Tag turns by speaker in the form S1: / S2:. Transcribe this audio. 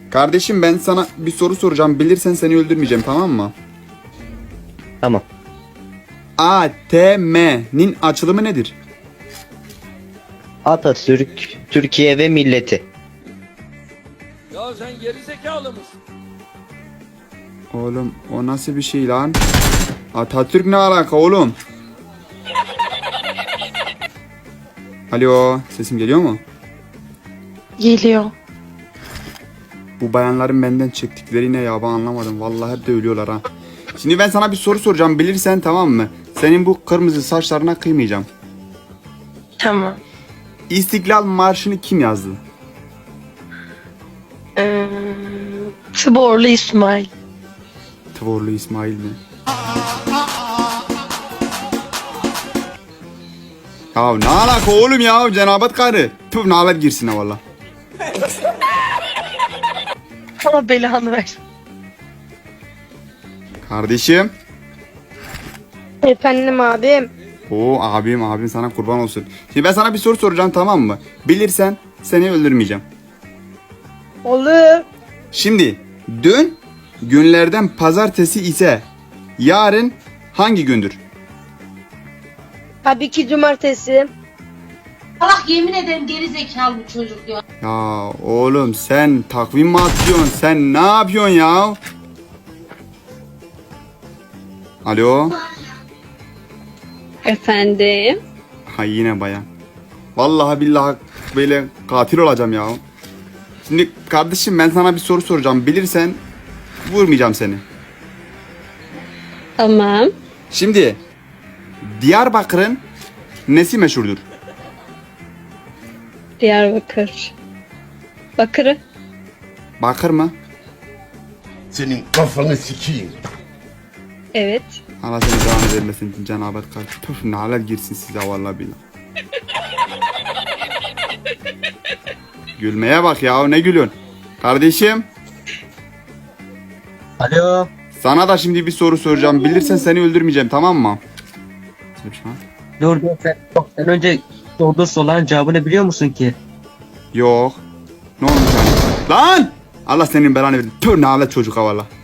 S1: Kardeşim ben sana bir soru soracağım. Bilirsen seni öldürmeyeceğim, tamam mı?
S2: Tamam.
S1: ATM'nin açılımı nedir?
S2: Atatürk, Türkiye ve milleti.
S3: Ya sen geri zekalı mısın?
S1: Oğlum o nasıl bir şey lan? Atatürk ne alaka oğlum? Alo, sesim geliyor mu?
S4: Geliyor.
S1: Bu bayanların benden çektikleri ne ya, ben anlamadım. Vallahi hep de ölüyorlar ha. Şimdi ben sana bir soru soracağım, bilirsen tamam mı? Senin bu kırmızı saçlarına kıymayacağım.
S4: Tamam.
S1: İstiklal Marşı'nı kim yazdı?
S4: Tıborlu İsmail.
S1: Tvorlu İsmail mi? Ya ne alaka oğlum ya, cenabet karı. Tüh, nalet girsin ha valla.
S4: Allah belanı ver.
S1: Kardeşim.
S5: Efendim abim.
S1: Oo abim sana kurban olsun. Şimdi ben sana bir soru soracağım, tamam mı? Bilirsen seni öldürmeyeceğim.
S5: Olur.
S1: Şimdi dün günlerden pazartesi ise yarın hangi gündür?
S5: Tabii ki cumartesi.
S6: Allah yemin ederim geri zekalı bu çocuk ya.
S1: Ya oğlum sen takvim mi atıyorsun? Sen ne yapıyorsun ya? Alo?
S7: Efendim?
S1: Ha yine bayan. Vallahi billahi böyle katil olacağım ya. Şimdi kardeşim ben sana bir soru soracağım. Bilirsen vurmayacağım seni.
S7: Tamam.
S1: Şimdi Diyarbakır'ın nesi meşhurdur?
S7: Diyarbakır. Bakırı.
S1: Bakır mı?
S8: Senin kafanı sikeyim.
S7: Evet.
S1: Allah seni devam vermesin cenabet karşı. Tüf nalet girsin size vallahi billahi. Gülmeye bak ya, ne gülüyorsun? Kardeşim
S2: Alo.
S1: sana da şimdi bir soru soracağım. Bilirsen seni öldürmeyeceğim, tamam mı?
S2: Dur sen önce sorduğun soruların cevabını biliyor musun ki?
S1: Yok. Ne olmuş yani? Lan! Allah senin belanı versin. Tüh nalet çocuk ha valla.